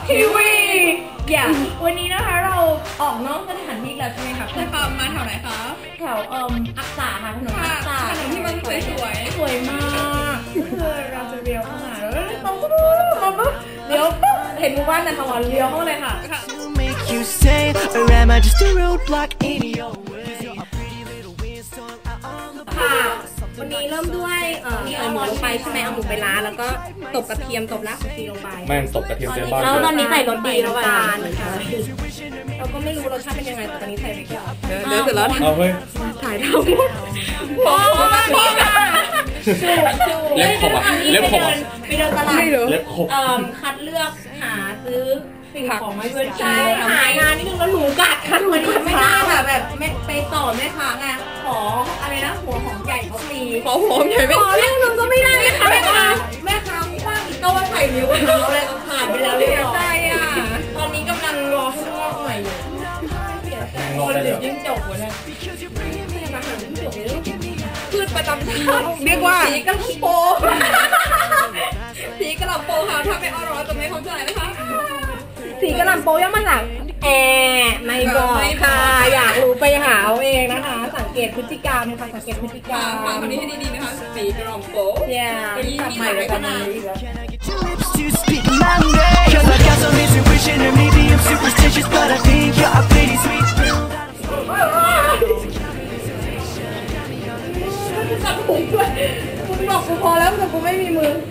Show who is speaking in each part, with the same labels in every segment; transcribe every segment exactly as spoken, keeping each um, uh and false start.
Speaker 1: ทีวีอย่าวันนี้นะคะเราออกนอกสถานที่แล้วใช่ไหมคะใช่ค่ะมาแถวไหนคะแถวเอ่ออักษาค่ะถนนอักษาถนนที่มันสวยสวยสวยมากคือเราจะเลี้ยวเข้ามาแล้วตรงปุ๊บปุ๊บเลี้ยวปุ๊บเห็นหมู่บ้านนันทวันเลี้ยวเข้าเลยค่ะค่ะวันนี้เริ่มด้วยเอ่อเอาหมูลงไปใช่ไหมเอาหมูไปล้างแล้วก็ตบกระเทียมตบรากผักชีลงไป
Speaker 2: แม่งตบกระเทียมเต็มบ้าน
Speaker 1: แล้วตอนนี้ใส่รสดีน้ำตาลนะคะเราก็ไม่รู้รสชาติเป็นยังไงแต่ตอนนี้ใส่ไปก่อนเดี๋ยวเสร็จแล้ว
Speaker 2: เอาเฮ้ย
Speaker 1: ถ่ายทั้งหมดโอ้โห
Speaker 2: เล็บขบอ่ะเล็บขบ
Speaker 1: ไปเดินตลาด
Speaker 2: เล็บขบ
Speaker 1: คัดเลือกหาซื้อสิ่งของมาช่วยใช้หางานนิดนึงแล้วหนูกัดค่ะหนูกัดไม่ได้ค่ะแบบไม่ไปต่อแม่ค้าไงขออะไรนะหัวหอมใหญ่เขาฟรี
Speaker 2: ขอหัวหอมใหญ่ไม่
Speaker 1: ขอเรื่องนึงก็ไม่ได้ค่ะแม่ค้าแม่ค้าว่างอีกก็ว่าใส่นิ้วเท้าอะไรก็ผ่านไปแล้วเรียบร้อยอ่ะตอนนี้กำลังรอให้งอกใหม่อยู่คนเดี๋ยวยิ่งจบวะเนี่ยพืชประจำชาติเรียกว่าผีกระลำโปผีกระลำโปค่ะถ้าไม่อร่อยจะไม่เข้าใจนะคะสีกระลำโปย่อมาจากแอไม่บอกค่ะอยากรู้ไปหาเอาเองนะคะสังเกตพฤติกรรมค่ะสังเกตพฤติกรรมฟังคำนี้ให้ดีๆนะคะสีกระลำโปอย่าทำใหม่เลยกันนะคุณบอกกูพอแล้วแต่กูไม่มีมือ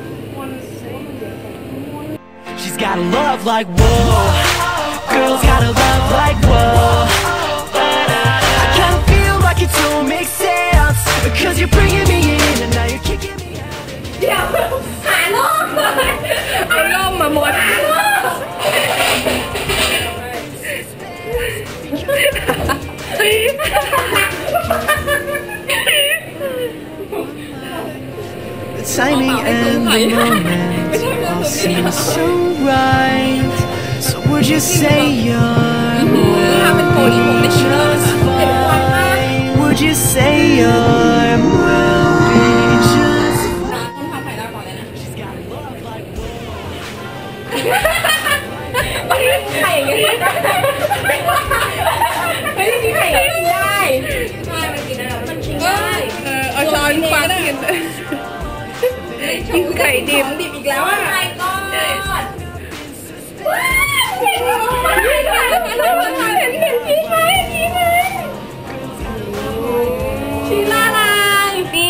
Speaker 1: She's got a love like whoa Girls got a love like whoa I kinda feel like it don't make sense Cause you're bringing me in and now you're kicking me out เดี๋ยวหาล่มเอาล่มมาหมดหาล่ม
Speaker 3: Timing and the moment all seems so right. So would you say you're moving just fine? Would you say you're moving just fine? She's got love like whoa. ไข่อย่างเงี้ยไม่ได้กินไข่กินได้ใช่มันกินได้มันกินได้เออเอาช้อนฟังกินกินไข่ดิบดิบอีกแล้วอ่ะไข่ก้อนเห็นเห็นเห็นชี้ไหมชี้ไหมชี้ละลายนี่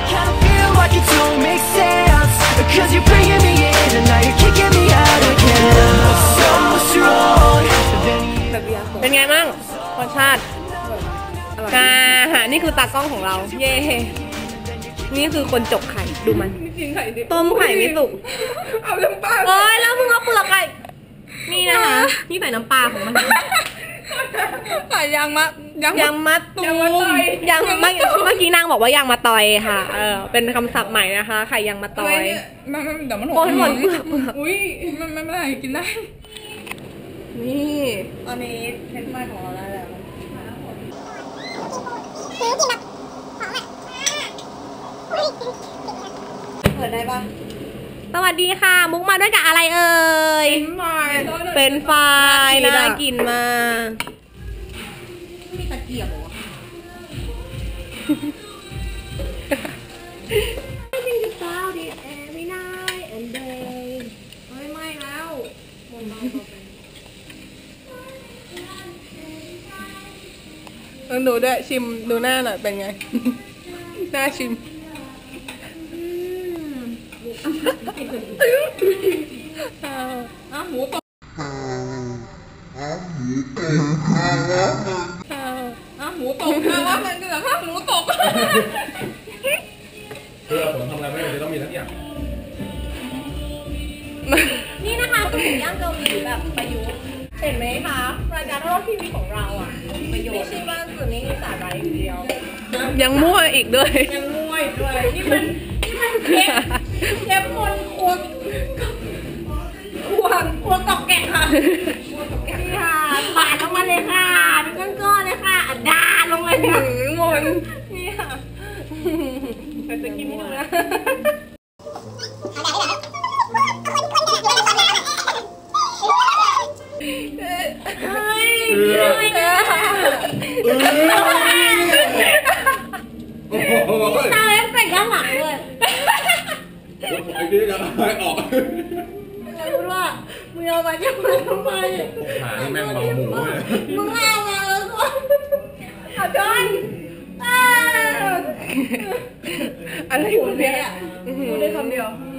Speaker 3: Cause you're bringing me in and now you're kicking me out again. So strong. เป็นไงบ้างรสชาติอ่าฮะนี่คือตากล้องของเราเย่นี่คือคนจกไข่ดูมันต้มไข่ไม่สุกเอาน้ำปลาเอ้ยแล้วมึงเอาเปลือกไข่นี่นะคะนี่ใส่น้ำปลาของมันไข่ยางมะยางมะตูมยางเมื่อเมื่อกี้นางบอกว่ายางมะตอยค่ะเออเป็นคำศัพท์ใหม่นะคะไข่ยางมะตอยมันเดี๋ยวมันหกหมดเปลือกเปลือกอุ้ยมันไม่ได้กินได้นี่ตอนนี้เทนไฟของเราได้แล้วซื้อกินแบบของอ่ะเปิดได้ปะสวัสดีค่ะมุกมาด้วยกับอะไรเอ่ยเป็นไฟน่ากินมากมีตะเกียบเหรอไม่แล้วต้องดูด้วยชิมดูหน้าหน่อยเป็นไงหน้าชิมอ่ะหมูตกอ่ะหมูตกอ่ะหมูตกนะว่ามันคือแบบหมูตก
Speaker 2: คือเราผมทำอะไรไม่ได้จะต้องมีทั้งอย่าง
Speaker 1: นี่นะคะคือหมูย่างเกาหลีแบบประยุกต์เห็นไหมคะรายการทอดทีวีของเราอ่ะประโยชน์ไม่ใช่ว่าส่วนนี้มีสาระอย่างเดียวยังมั่วอีกด้วยยังมั่วอีกด้วยนี่มันนี่มันเทปเทปมนครัวครัวครัวตอกแกะค่ะครัวตอกแกะค่ะปาดลงมาเลยค่ะเป็นก้อนๆเลยค่ะดาลงเลยค่ะมนนี่ค่ะจะกินให้ดูนะเฮ้ยไม่ได้ตาเอฟเฟกต์ด้านหลังเลย
Speaker 2: ไอ้ที่จะไม่ออก
Speaker 1: แล้วพูดว่ามึงเอามาจะมาทำไม
Speaker 2: หาแม่งเมาหมูเลย
Speaker 1: มึงเอามาแล้วก็เอาจอน
Speaker 3: อะไรอยู่เนี่ย
Speaker 1: พูดได้คำเดียว